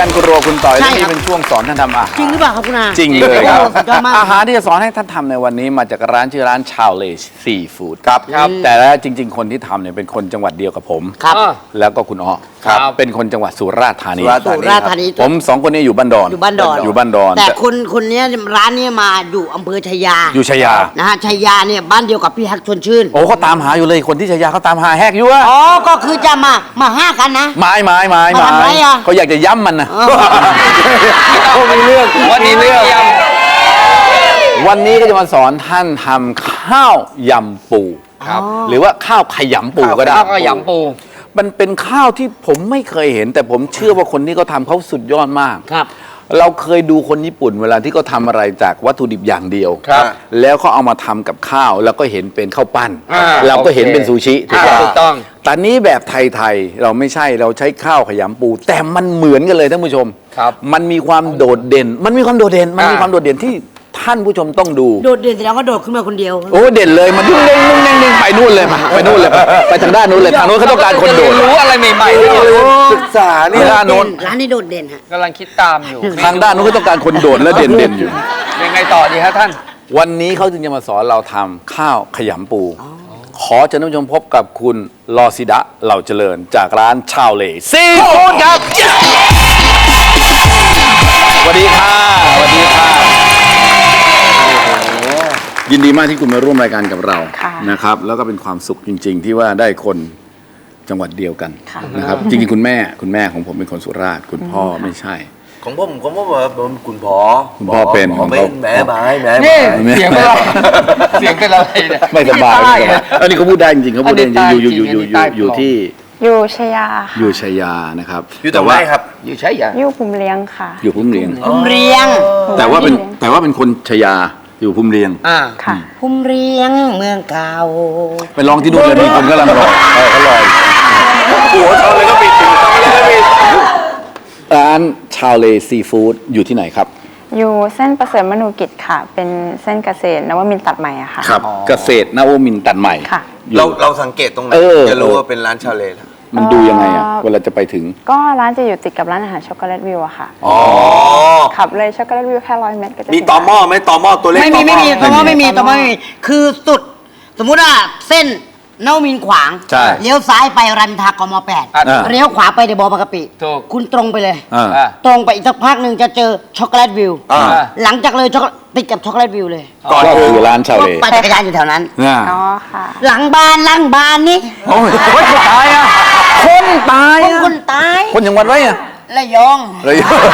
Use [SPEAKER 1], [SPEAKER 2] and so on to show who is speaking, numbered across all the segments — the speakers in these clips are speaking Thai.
[SPEAKER 1] กันคุณโรคุณต่อยและนี่เป็นช่วงสอนท่านทำอาหาร
[SPEAKER 2] จริงหรือเปล่าครับคุณอา
[SPEAKER 1] จริงเลยครับ
[SPEAKER 2] อา
[SPEAKER 1] อาหารที่จะสอนให้ท่านทำในวันนี้มาจากร้านชื่อร้านชาวเลซีฟู้ดครับแต่แล้วจริง ๆ คนที่ทำเนี่ยเป็นคนจังหวัดเดียวกับผม
[SPEAKER 2] ครับ
[SPEAKER 1] แล้วก็คุณอ้อเป็นคนจังหวัดสุราษฎร์ธานี
[SPEAKER 2] สุราษฎร์ธานี
[SPEAKER 1] ผมสองคนนี้อยู่บ้านดอน
[SPEAKER 2] อยู่บ้านดอน
[SPEAKER 1] อยู่บ้านดอน
[SPEAKER 2] แต่คนเนี้ยร้านเนี้ยมาอยู่อำเภอชัยยา
[SPEAKER 1] อยู่ชัยยา
[SPEAKER 2] นะฮะชัยยาเนี่ยบ้านเดียวกับพี่ฮักชวนชื่น
[SPEAKER 1] โอ้เขาตามหาอยู่เลยคนที่ชัยยาเขาตามหาแหกอยู่อะ
[SPEAKER 2] อ๋อก็คือจะมาห้ากันนะ
[SPEAKER 1] ไม้
[SPEAKER 2] มาทำไมอะ
[SPEAKER 1] เขาอยากจะย้ำมันนะ
[SPEAKER 2] อ๋อ
[SPEAKER 1] เขามีเรื่อง
[SPEAKER 3] วันนี้เรื่อง
[SPEAKER 1] วันนี้ก็จะมาสอนท่านทำข้าวยำปู
[SPEAKER 3] ครับ
[SPEAKER 1] หรือว่าข้าวขยำปูก็ได้
[SPEAKER 3] ข้าวก็ยำปู
[SPEAKER 1] มันเป็นข้าวที่ผมไม่เคยเห็น แต่ผมเชื่อว่าคนที่เขาทำเขาสุดยอดมาก
[SPEAKER 2] ครับ
[SPEAKER 1] เราเคยดูคนญี่ปุ่นเวลาที่เขาทำอะไรจากวัตถุดิบอย่างเดียว
[SPEAKER 3] ครับ
[SPEAKER 1] แล้วเขาเอามาทำกับข้าว แล้วก็เห็นเป็นข้าวปั้น
[SPEAKER 3] อ่า
[SPEAKER 1] เราก็เห็น
[SPEAKER 3] โอเค
[SPEAKER 1] เป็นซูชิถูก
[SPEAKER 3] ถูกต้อง
[SPEAKER 1] แต่นี้แบบไทยๆเราไม่ใช่เราใช้ข้าวขยำปู แต่มันเหมือนกันเลยท่านผู้ชม
[SPEAKER 3] ครับ
[SPEAKER 1] มันมีความโดดเด่น มันมีความโดดเด่นที่ท่านผู้ชมต้องดู
[SPEAKER 2] โดดเด่นแสดงว่าโดดขึ้นมาคนเดียว
[SPEAKER 1] โอ้เด่นเลยมันนุ่งเด้งไปนู่นเลยไปนู่นเลยไปทางด้านนู้นเลยทางนู้นเขาต้องการคนโดด
[SPEAKER 3] รู้อะไรใหม่ๆด้วย
[SPEAKER 1] ศึกษานี่ด้านนู้น
[SPEAKER 2] ร้านนี้โดดเด่นฮะ
[SPEAKER 3] กำลังคิดตามอยู่
[SPEAKER 1] ทางด้านนู้นก็ต้องการคนโดดและเด่นอยู่
[SPEAKER 3] ยังไงต่อดีฮะท่าน
[SPEAKER 1] วันนี้เขาจึงจะมาสอนเราทำข้าวขยำปู ขอเชิญท่านผู้ชมพบกับคุณลอซิดะเหล่าเจริญจากร้านชาวเลซีฟู้ดครับสวัสดีค่ะสวัสดีค่ะยินดีมากที่คุณมาร่วมรายการกับเรานะครับ แล้วก็เป็นความสุขจริง ๆ ที่ว่าได้คนจังหวัดเดียวกันนะครับ จริงๆคุณแม่ของผมเป็นคนสุราษฎร์คุณพ่อไม่ใช่
[SPEAKER 4] ของผมว่าเป็นคุณพ่อ
[SPEAKER 1] คุณพ่อเป็น
[SPEAKER 4] ผมเป็นแม่ไม้
[SPEAKER 3] นี่เสียงเป็นอะไรเสียงเป็นอะไรเนี่ย
[SPEAKER 1] ไม่สบาย
[SPEAKER 3] ใต้
[SPEAKER 1] ไม่สบายอันนี้เขาพูดได้จริงๆเขาพูดได้จริงๆอยู่ที่
[SPEAKER 5] อยู่ชัยยา
[SPEAKER 1] อยู่ชัยยานะครับ
[SPEAKER 4] อยู่ตรงไหนครับ
[SPEAKER 3] อยู่ใช่ยัง
[SPEAKER 5] อยู่ภูมิเลี้ยงค่ะ
[SPEAKER 1] อยู่พุ่มเรียง
[SPEAKER 2] ภูมิเรียง
[SPEAKER 1] แต่ว่าเป็นคนชัยยาอยู่พุ่มเรียง
[SPEAKER 5] ค่ะ
[SPEAKER 2] ภูมิเรียงเมืองเก่า
[SPEAKER 1] ไปลองที่นู่นเลยมีคนกำลังรอเขารอหัวเขาเลยก็ปิดร้านชาวเลซีฟู้ดอยู่ที่ไหนครับ
[SPEAKER 5] อยู่เส้นประเสริฐมนูกิจค่ะ เป็นเส้นเกษตรนวมินทร์ตัดใหม่อะค่ะ
[SPEAKER 1] ครับเกษตรนวมินทร์ตัดใหม่
[SPEAKER 5] ค่ะ
[SPEAKER 1] อยู่
[SPEAKER 4] เราสังเกตตรงไหนจะรู้ว่าเป็นร้านชาเลนะ
[SPEAKER 1] มันดูยังไงอะเวลาจะไปถึง
[SPEAKER 5] ก็ร้านจะอยู่ติดกับร้านอาหารช็อกโกแลตวิวอะค่ะ
[SPEAKER 4] อ๋อ
[SPEAKER 5] ขับเลยช็อกโกแลตวิวแค่100 เมตรก็จะ
[SPEAKER 4] มีตอหม้อไหมตอหม้อตัวเล็ก
[SPEAKER 2] ไม่มี
[SPEAKER 1] ไม่มี
[SPEAKER 2] คือสุด สมมุติว่าเส้นนวมินทร์ขวาง
[SPEAKER 1] ใช่
[SPEAKER 2] เลี้ยวซ้ายไปรันทากม8เลี้ยวขวาไปเดบอบางกะปิ
[SPEAKER 3] ถูก
[SPEAKER 2] คุณตรงไปเลย
[SPEAKER 1] อ่า
[SPEAKER 2] ตรงไปอีกสักพักหนึ่งจะเจอช็อกโกแลตวิว
[SPEAKER 4] อ่า
[SPEAKER 2] หลังจากเลยติดกับช็อกโกแลตวิวเลย
[SPEAKER 4] ก่อน
[SPEAKER 1] ก็
[SPEAKER 4] ถึง
[SPEAKER 1] คือร้านชาวเล
[SPEAKER 2] ปั่นจักรยานอยู่แถวนั้น
[SPEAKER 1] เนี่ย
[SPEAKER 5] อ๋อค่ะ
[SPEAKER 2] หลังบ้านนี่
[SPEAKER 1] โอ้ยคนตายอะคนตายอะ
[SPEAKER 2] คนตาย
[SPEAKER 1] คนอย่างวัดไว้อะ
[SPEAKER 2] ระยอง
[SPEAKER 1] เลย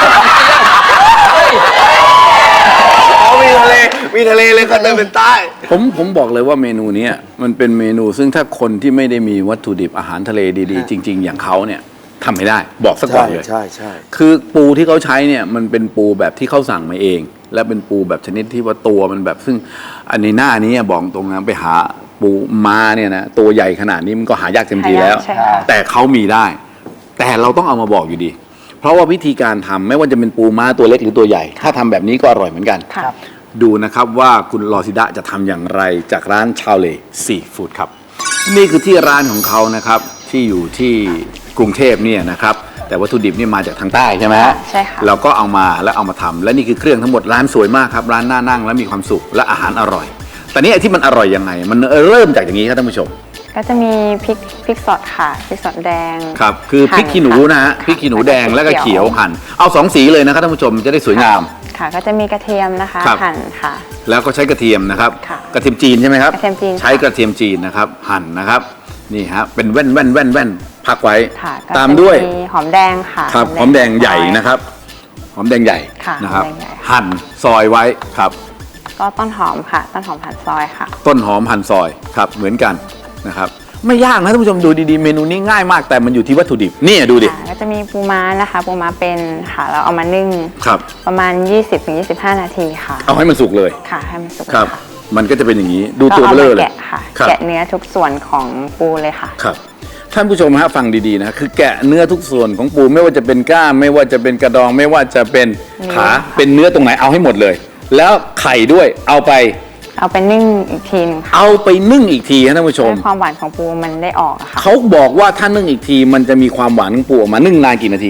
[SPEAKER 4] อ๋อมีทะเลเลยก็เลยเป็นใต้
[SPEAKER 1] ผมบอกเลยว่าเมนูเนี้ยมันเป็นเมนูซึ่งถ้าคนที่ไม่ได้มีวัตถุดิบอาหารทะเลดีๆ จริง ๆ อย่างเขาเนี่ยทำไม่ได้บอกสักก่อนเลย
[SPEAKER 4] ใช่
[SPEAKER 1] คือปูที่เขาใช้เนี่ยมันเป็นปูแบบที่เขาสั่งมาเอง และเป็นปูแบบชนิดที่ว่าตัวมันแบบซึ่งอันในหน้านี้บอกตรงนะไปหาปูม้าเนี่ยนะตัวใหญ่ขนาดนี้มันก็หายากเต็มทีแล้ว
[SPEAKER 5] ใช่ค่ะ
[SPEAKER 1] แต่เขามีได้ แต่เราต้องเอามาบอกอยู่ดี เพราะว่าวิธีการทำไม่ว่าจะเป็นปูม้าตัวเล็กหรือตัวใหญ่ ถ้าทำแบบนี้ก็อร่อยเหมือนกัน
[SPEAKER 5] ค่ะ
[SPEAKER 1] ดูนะครับว่าคุณลอซิดะจะทำอย่างไรจากร้านชาวเลซีฟู้ดครับนี่คือที่ร้านของเขานะครับที่อยู่ที่กรุงเทพเนี่ยนะครับแต่วัตถุดิบนี่มาจากทางใต้ใช่ไหมฮะ
[SPEAKER 5] ใช่ค่ะ
[SPEAKER 1] เราก็เอามาแล้วเอามาทำและนี่คือเครื่องทั้งหมดร้านสวยมากครับร้านน่านั่งและมีความสุขและอาหารอร่อย แต่นี่ไอ้ที่มันอร่อยยังไง มันเริ่มจากอย่างนี้ครับท่านผู้ชม
[SPEAKER 5] ก็จะมีพริกสดค่ะพริกสดแดง
[SPEAKER 1] ครับคือพริกขี้หนูนะฮะพริกขี้หนูแดงแล้วก็เขียวหั่นเอา2 สีเลยนะครับท่านผู้ชมจะได้สวยงาม
[SPEAKER 5] ค่ะ ก็จะมีกระเทียมนะคะ
[SPEAKER 1] ครับ
[SPEAKER 5] หั่นค่ะ
[SPEAKER 1] แล้วก็ใช้กระเทียมนะครับ
[SPEAKER 5] ค่ะ
[SPEAKER 1] กระเทียมจีนใช่ไหมครับ
[SPEAKER 5] กระเทียมจีน
[SPEAKER 1] ใช้กระเทียมจีนนะครับหั่นนะครับนี่ฮะเป็นแว่นพักไว้
[SPEAKER 5] ค่ะก็
[SPEAKER 1] ตามด้วย
[SPEAKER 5] จะมีหอมแดงค่ะ
[SPEAKER 1] ครับหอมแดงใหญ่นะครับหอมแดงใหญ่
[SPEAKER 5] ค่ะ
[SPEAKER 1] นะครับ
[SPEAKER 5] หอมแดงใหญ่
[SPEAKER 1] หั่นซอยไว้ครับ
[SPEAKER 5] ก็ต้นหอมค่ะ ต้นหอมหั่นซอยค่ะ
[SPEAKER 1] ต้นหอมหั่นซอยครับเหมือนกันนะครับไม่ยากนะท่านผู้ชมดูดีๆเมนูนี้ง่ายมากแต่มันอยู่ที่วัตถุดิบนี่ดูดิ
[SPEAKER 5] ค่ะก็จะมีปูม้านะคะปูม้าเป็นค่ะเราเอามานึ่ง
[SPEAKER 1] ครับ
[SPEAKER 5] ประมาณ 20-25 นาทีค่ะ
[SPEAKER 1] เอาให้มันสุกเลย
[SPEAKER 5] ค่ะให้มันสุก
[SPEAKER 1] ครับ
[SPEAKER 5] ค่ะ
[SPEAKER 1] มันก็จะเป็นอย่างนี้ดู
[SPEAKER 5] ก็
[SPEAKER 1] ตัว
[SPEAKER 5] เอา
[SPEAKER 1] เบล
[SPEAKER 5] มา
[SPEAKER 1] อเลย
[SPEAKER 5] แกะค่ะ
[SPEAKER 1] ครับ
[SPEAKER 5] แกะเนื้อทุกส่วนของปูเลยค่ะ
[SPEAKER 1] ครับท่านผู้ชมฮะฟังดีๆนะคือแกะเนื้อทุกส่วนของปูไม่ว่าจะเป็นกล้ามไม่ว่าจะเป็นกระดองไม่ว่าจะเป็นขาเป็นเนื้อตรงไหนเอาให้หมดเลย แล้วไข่ด้วยเอาไป
[SPEAKER 5] เอาไปนึ่งอีกทีนึงค่ะ
[SPEAKER 1] เอาไปนึ่งอีกทีฮะท่านผู้ชม
[SPEAKER 5] ให้ความหวานของปูมันได้ออกอะค่ะ
[SPEAKER 1] เขาบอกว่าถ้านึ่งอีกทีมันจะมีความหวานของปูออกมานึ่งนานกี่นาที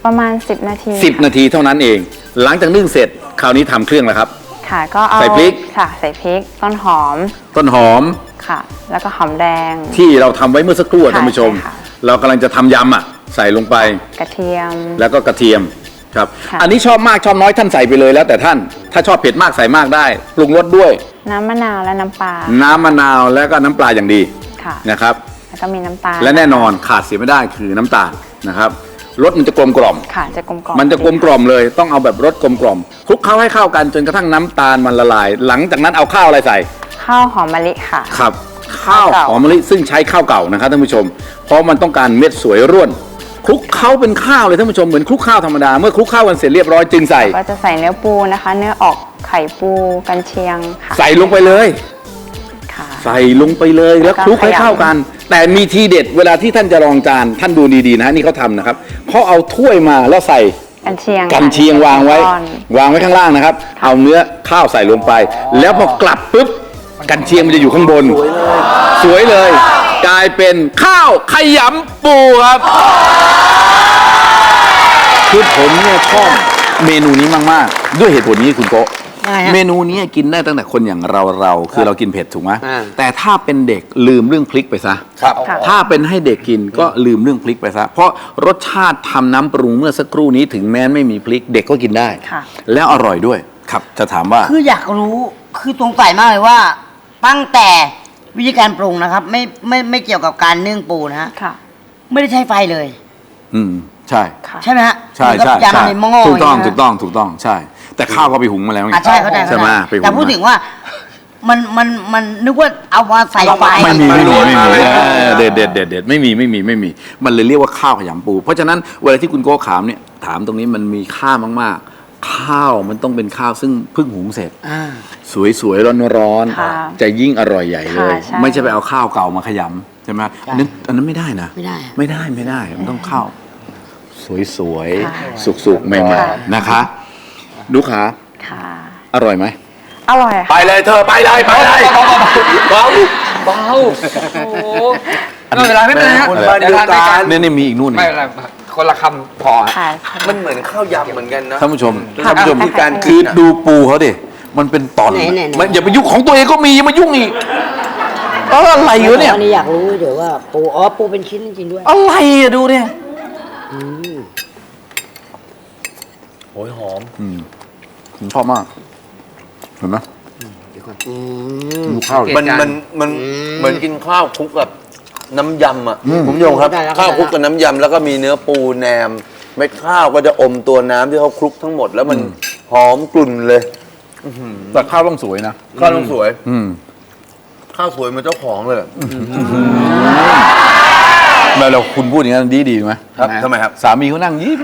[SPEAKER 5] ประมาณ 10 นาที
[SPEAKER 1] 10 นาทีเท่านั้นเอง หลังจากนึ่งเสร็จคราวนี้ทำเครื่องแล้วครับ
[SPEAKER 5] ค่ะ ก็เอา
[SPEAKER 1] ใส่พริก
[SPEAKER 5] ค่ะ ใส่พริก ต้นหอม
[SPEAKER 1] ต้นหอม
[SPEAKER 5] ค่ะ แล้วก็หอมแดง
[SPEAKER 1] ที่เราทำไว้เมื่อสักครู่อะท่านผู้ชม
[SPEAKER 5] ใช่ค่ะ
[SPEAKER 1] เรากำลังจะทำยำอ่ะใส่ลงไป
[SPEAKER 5] กระเทียม
[SPEAKER 1] แล้วก็กระเทียมครับ
[SPEAKER 5] ค่ะ
[SPEAKER 1] อันนี้ชอบมากชอบน้อยท่านใส่ไปเลยแล้วแต่ท่าน ถ้าชอบเผ็ดมากใส่มากได้ปรุงรสด้วย
[SPEAKER 5] น้ำมะนาวและน้ำปลา
[SPEAKER 1] น้ำมะนาวแล้วก็น้ำปลาอย่างดี
[SPEAKER 5] ค่ะ
[SPEAKER 1] นะครับ
[SPEAKER 5] แล้วก็มีน้ำตาล
[SPEAKER 1] และแน่นอนขาดเสียไม่ได้คือน้ำตาลนะครับรสมันจะกลมกล่อม
[SPEAKER 5] ค่ะ จะกลมกล่อม
[SPEAKER 1] มันจะกลมกล่อมเลยต้องเอาแบบรสกลมกล่อมคลุกเคล้าให้เข้ากันจนกระทั่งน้ำตาลมันละลาย หลังจากนั้นเอาข้าวอะไรใส่
[SPEAKER 5] ข้าวหอมมะลิค่ะ
[SPEAKER 1] ครับข้าว
[SPEAKER 5] ข้าวเก่า
[SPEAKER 1] หอมมะลิซึ่งใช้ข้าวเก่านะครับท่านผู้ชม เพราะมันต้องการเม็ดสวยร่วนคลุกเคล้าเป็นข้าวเลยท่านผู้ชมเหมือนคลุกข้าวธรรมดาเมื่อคลุกข้าวกันเสร็จเรียบร้อยจึงใส่
[SPEAKER 5] ก็จะใส่เนื้อปูนะคะ เนื้อออกไข่ปูกันเชียงค่ะ
[SPEAKER 1] ใส่ลงไปเลย
[SPEAKER 5] ค่ะ
[SPEAKER 1] ใส่ลงไปเลยแล้วคลุกให้เข้ากัน แต่มีทีเด็ดเวลาที่ท่านจะรองจานท่านดูดีๆนะนี่เขาทำนะครับเขาเอาถ้วยมาแล้วใส่
[SPEAKER 5] กันเชียง
[SPEAKER 1] กันเชียงวางไว้
[SPEAKER 5] ก้อน
[SPEAKER 1] วางไว้ข้างล่างนะครับ เอาเนื้อข้าวใส่ลงไป แล้วพอกลับปุ๊บกันเชียงมันจะอยู่ข้างบน สวยเลย กลายเป็นข้าวขยำปูครับคือผมเนี่ยชอบเมนูนี้มากๆ ด้วยเหตุผลนี้คุณโกะ
[SPEAKER 2] อะไรฮะ
[SPEAKER 1] เมนูนี้กินได้ตั้งแต่คนอย่างเราคือเรากินเผ็ดถูกไหม
[SPEAKER 3] อ่า
[SPEAKER 1] แต่ถ้าเป็นเด็กลืมเรื่องพริกไปซะ
[SPEAKER 4] ครับ
[SPEAKER 5] ค่ะ
[SPEAKER 1] ถ้าเป็นให้เด็กกินก็ลืมเรื่องพริกไปซะ เพราะรสชาติทำน้ำปรุงเมื่อสักครู่นี้ถึงแม้ไม่มีพริกเด็กก็กินได้
[SPEAKER 5] ค่ะ
[SPEAKER 1] แล้วอร่อยด้วย ครับจะถามว่า
[SPEAKER 2] คืออยากรู้คือสงสัยมากเลยว่า ตั้งแต่วิธีการปรุงนะครับ ไม่เกี่ยวกับการนึ่งปูนะฮะ
[SPEAKER 5] ค่ะ
[SPEAKER 2] ไม่ได้ใช้ไฟเลย
[SPEAKER 1] อืมใช่
[SPEAKER 5] ค่ะ
[SPEAKER 2] ใช่ไหมฮะ
[SPEAKER 1] ใช่
[SPEAKER 2] เหมือนกับ
[SPEAKER 1] ใช่ใช่
[SPEAKER 2] ยำในหม้อ
[SPEAKER 1] ถูกต้อง
[SPEAKER 2] ย่า
[SPEAKER 1] ถู
[SPEAKER 2] เย
[SPEAKER 1] กต้องถูกต้องใช่ แต่ข้าวก็ไปหุงมาแล้วไง
[SPEAKER 2] อ่ะใช่เข้าใจ
[SPEAKER 1] ใช่ไหมไปหุง
[SPEAKER 2] แต่พูดถึงว่ามันนึกว่าเอามาใส่ไฟ
[SPEAKER 1] ไม่มีเด็ดไม่มีมันเลยเรียกว่าข้าวขยำปู เพราะฉะนั้นเวลาที่คุณโก้ขามเนี่ยถามตรงนี้มันมีค่ามากๆ ข้าวมันต้องเป็นข้าวซึ่งเพิ่งหุงเสร็จ
[SPEAKER 2] อ่า
[SPEAKER 1] สวยๆร้อน
[SPEAKER 5] ค่ะ
[SPEAKER 1] ๆจะยิ่งอร่อยใหญ่เลย
[SPEAKER 5] ค่ะใช่
[SPEAKER 1] ไม่ใช่ไปเอาข้าวเก่ามาขยำใช่ไหมอันนั้นไม่ได้นะ
[SPEAKER 2] ไม่ได้อะ
[SPEAKER 1] ไม่ได้มันต้องข้าวสวย
[SPEAKER 5] ค่ะ
[SPEAKER 1] ๆสุกๆใหม่
[SPEAKER 5] ค่ะ
[SPEAKER 1] ๆนะคะดูขา
[SPEAKER 5] ค่ะ
[SPEAKER 1] อร่อยไหม
[SPEAKER 5] อร่อย
[SPEAKER 4] ไป
[SPEAKER 5] ค่ะ
[SPEAKER 4] เลยเธอไปเลยไปเลยเบา
[SPEAKER 3] เบาโอ้โหไม่เป็นไรไม่เป็นไรฮะ
[SPEAKER 4] คนบ้านเดียวกัน
[SPEAKER 3] ดี๋ทาด้วย
[SPEAKER 1] เนี่ยมีอีกนู่น
[SPEAKER 3] ไม่เป็นไรคนละคำพอฮะ
[SPEAKER 5] ค่ะ
[SPEAKER 4] มันเหมือนข้าวยำเหมือนกันนะ
[SPEAKER 1] ท่านผู้ชม
[SPEAKER 5] ค่ะ
[SPEAKER 1] ท่านผู้ชม
[SPEAKER 5] ค่ะ
[SPEAKER 1] ที่การคือดูปูเขาดิมันเป็นตอน
[SPEAKER 2] ไหนๆๆ
[SPEAKER 1] มันอย่าไปยุ่งของตัวเองก็มีอย่ามายุ่งอีกอะไรอยู่เนี่ย
[SPEAKER 2] อันนี้อยากรู้เดี๋ยวว่าปูปูเป็นชิ้นจริงๆด้วย
[SPEAKER 1] อะไรอะดูเนี่ย
[SPEAKER 4] โอ้ยหอม
[SPEAKER 1] ผมชอบมากเห็นไหมดูข้าวดิ
[SPEAKER 4] มันเหมือนกินข้าวคลุกกับน้ำยำอ่ะคุณผู้ชมครับ
[SPEAKER 2] ได้แล้ว
[SPEAKER 4] ข้าวคลุกกับน้ำยำแล้วก็มีเนื้อปูแหนมเม็ดข้าวก็จะอมตัวน้ำที่เขาคลุกทั้งหมด แล้วมันหอมกลุ่นเลย
[SPEAKER 1] แต่ข้าวต้องสวยนะ
[SPEAKER 4] ข้าวต้องสวย
[SPEAKER 1] อืม
[SPEAKER 4] ข้าวสวยเหมันเจ้าของเลย
[SPEAKER 1] แล้วเราคุณพูดอย่างนั้นดีไหม
[SPEAKER 4] ครับทำไมครับ
[SPEAKER 1] สามีเขานั่งยิ้ม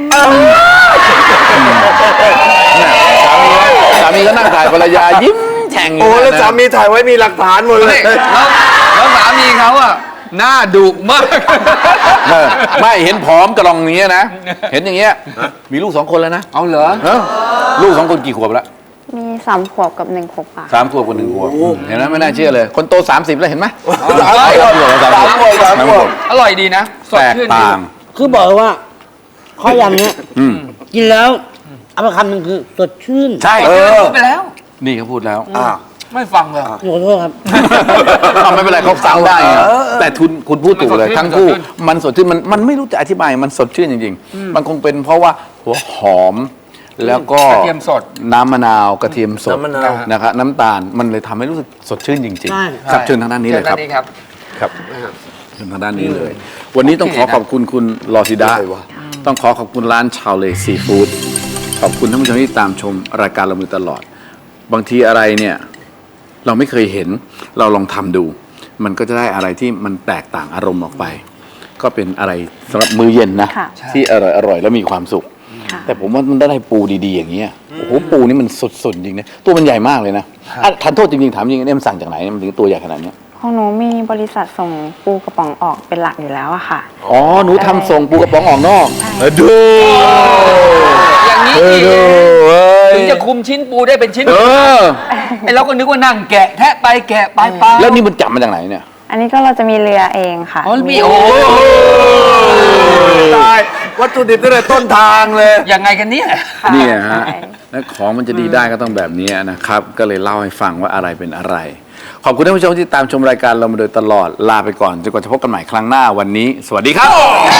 [SPEAKER 1] เนี่ยสามีก็นั่งถ่ายภรรยายิ้มแฉ่งยู่
[SPEAKER 4] โอ้แล้ว
[SPEAKER 1] นะ
[SPEAKER 4] สามีถ่ายไว้มีหลักฐานหมดเลย
[SPEAKER 3] แล้วสามีเขาอะหน้าดุมาก
[SPEAKER 1] เออไม่เห็นผอมกระลองนี้นะ เห็นอย่างเงี้ยมีลูก2 คนแล้วนะ
[SPEAKER 3] เอาเหรอ
[SPEAKER 1] เออลูก2 คนกี่ขวบแล้ว
[SPEAKER 5] มี3 ขวบกับ1 ขวบค่ะ
[SPEAKER 1] 3 ขวบกับ1 ขวบเห็นไหมไม่น่าเชื่อเลย คนโต30แล้วเห็นไหม
[SPEAKER 4] สามขวบ
[SPEAKER 3] อร่อยดีนะสด
[SPEAKER 1] แตก
[SPEAKER 3] ชื่นดี
[SPEAKER 1] ต่าง
[SPEAKER 2] คือบอกเลยว่าข้าวยำเนี้ย
[SPEAKER 1] อืม
[SPEAKER 2] กินแล้วเอาไปคำหนึ่งคือสดชื่น
[SPEAKER 1] ใช่
[SPEAKER 3] พูดไปแล้ว
[SPEAKER 1] นี่เขาพูดแล้ว
[SPEAKER 3] ไม่ฟังเลย
[SPEAKER 2] ขอโทษครับ
[SPEAKER 1] ไม่เป็นไรเขาฟังได้ไงแต่คุณพูดถูกเลย
[SPEAKER 3] มันสดชื่น
[SPEAKER 1] ทั้งคู่มันสดชื่นมันไม่รู้จะอธิบายมันสดชื่นจริงๆ มันคงเป็นเพราะว่าหัวหอม แล้วก็
[SPEAKER 3] กระเทียมสด
[SPEAKER 1] น้ำมะนาวกระเทียมสด
[SPEAKER 4] น้ำมะนาว
[SPEAKER 1] นะครับน้ำตาลมันเลยทำให้รู้สึกสดชื่นจริง
[SPEAKER 2] ใช่
[SPEAKER 1] ๆครับเชิญทางด้านนี้เลยครับ
[SPEAKER 3] ชิญด้านครับ
[SPEAKER 1] ครับเชิญทางด้านนี้เลย วันนี้ต้องขอขอบคุณคุณลอซิดาต้องขอขอบคุณร้านชาวเลซีฟู้ดขอบคุณท่านผู้ชมที่ตามชมรายการเรามาตลอด บางทีอะไรเนี่ยเราไม่เคยเห็นเราลองทำดู มันก็จะได้อะไรที่มันแตกต่างอารมณ์ออกไป ก็เป็นอะไรสำหรับมื้อเย็นนะ
[SPEAKER 5] ค่ะ
[SPEAKER 1] ที่อร่อยแล้วมีความสุข
[SPEAKER 5] ค่ะ
[SPEAKER 1] แต่ผมว่ามันได้ปูดีๆอย่างเงี้ยโอ้โหปูนี่มันสดๆจริงนะตัวมันใหญ่มากเลยนะอ่ะทันโทษจริงๆถามจริงเนี่ยมันสั่งจากไหนเนี่ยมันถึงตัวใหญ่ขนาดเนี้ย
[SPEAKER 5] ของหนูมีบริษัทส่งปูกระป๋องออกเป็นหลักอยู่แล้วอะค่ะ
[SPEAKER 1] อ๋อหนูทำส่งปูกระป๋องออกนอก
[SPEAKER 5] ใช่
[SPEAKER 1] ดู
[SPEAKER 3] อย่างนี้
[SPEAKER 1] ดูเอ้ย
[SPEAKER 3] ถึงจะคุมชิ้นปูได้เป็นชิ้น
[SPEAKER 1] เออ
[SPEAKER 3] ไอ้เราก็นึกว่านั่งแกะแทะไปแกะไปไป
[SPEAKER 1] แล้วนี่มันจับมาจากไหนเนี่ย
[SPEAKER 5] อันนี้ก็เราจะมีเรือเองค่ะ
[SPEAKER 3] อ๋อมีโอ้
[SPEAKER 4] ตายวัตถุดิบตั้งแต่ต้นทางเลย
[SPEAKER 3] ยังไงกันเนี่ย
[SPEAKER 5] ค่ะ
[SPEAKER 1] เนี่ยฮะ
[SPEAKER 5] ใช่
[SPEAKER 1] และของมันจะดีได้ก็ต้องแบบนี้นะครับ ก็เลยเล่าให้ฟังว่าอะไรเป็นอะไร ขอบคุณท่านผู้ชมที่ตามชมรายการเรามาโดยตลอดลาไปก่อนจนกว่าจะพบกันใหม่ครั้งหน้าวันนี้ สวัสดีครับ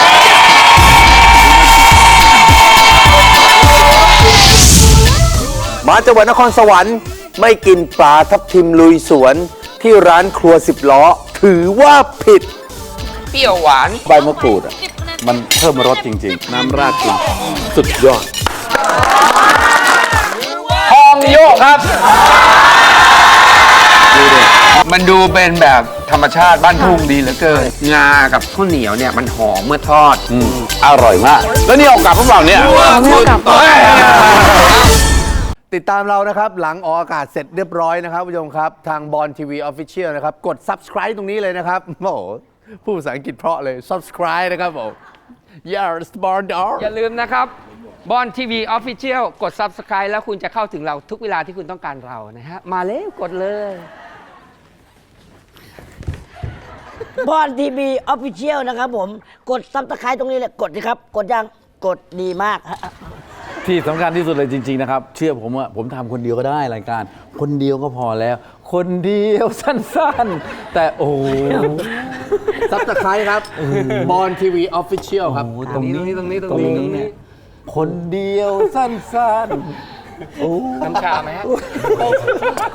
[SPEAKER 4] มาจังหวัดนครสวรรค์ไม่กินปลาทับทิมลุยสวนที่ร้านครัว10 ล้อ ถือว่าผิด
[SPEAKER 3] เปรี้ยวหวาน
[SPEAKER 1] ใบมะกรูดอ่ะมันเพิ่มรสจริง ๆ น้ำราดจริงสุดยอด
[SPEAKER 3] ทองโยกครับ มันดูเป็นแบบธรรมชาติบ้านทุ่งดีเหลือเกิน งากับข้าวเหนียวเนี่ยมันหอมเมื่อทอด
[SPEAKER 1] อร่อยมาก แล้วนี่เอากลับพวกเราเนี่ย
[SPEAKER 5] ไม่เอากลับ
[SPEAKER 4] ติดตามเรานะครับ หลังออกอากาศเสร็จเรียบร้อยนะครับผู้ชมครับ ทางบอลทีวีออฟฟิเชียลนะครับ กด subscribe ตรงนี้เลยนะครับ โอ้โหพูดภาษาอังกฤษเพราะเลย subscribe นะครับผม yes born dog
[SPEAKER 3] อย่าลืมนะครับบอลทีวีออฟฟิเชียลกด Subscribe แล้วคุณจะเข้าถึงเราทุกเวลาที่คุณต้องการเรานะฮะ มาเร็วกดเลย
[SPEAKER 2] บอลทีวีออฟฟิเชียลนะครับผมกดซับสไครต์ตรงนี้เลยกดสิครับกดยังกดดีมากฮะ
[SPEAKER 1] ที่สำคัญที่สุดเลยจริง ๆ นะครับ เชื่อผมว่าผมทำคนเดียวก็ได้รายการ คนเดียวก็พอแล้ว คนเดียวสั้นๆ แต่โอ้โห
[SPEAKER 4] subscribe ครับบอลทีวีออฟฟิเชียลครับ
[SPEAKER 1] ตรงนี้
[SPEAKER 3] ตรงนี้
[SPEAKER 1] เนี่ยคนเดียวสั้นๆ
[SPEAKER 3] น้ำชาไหมฮะ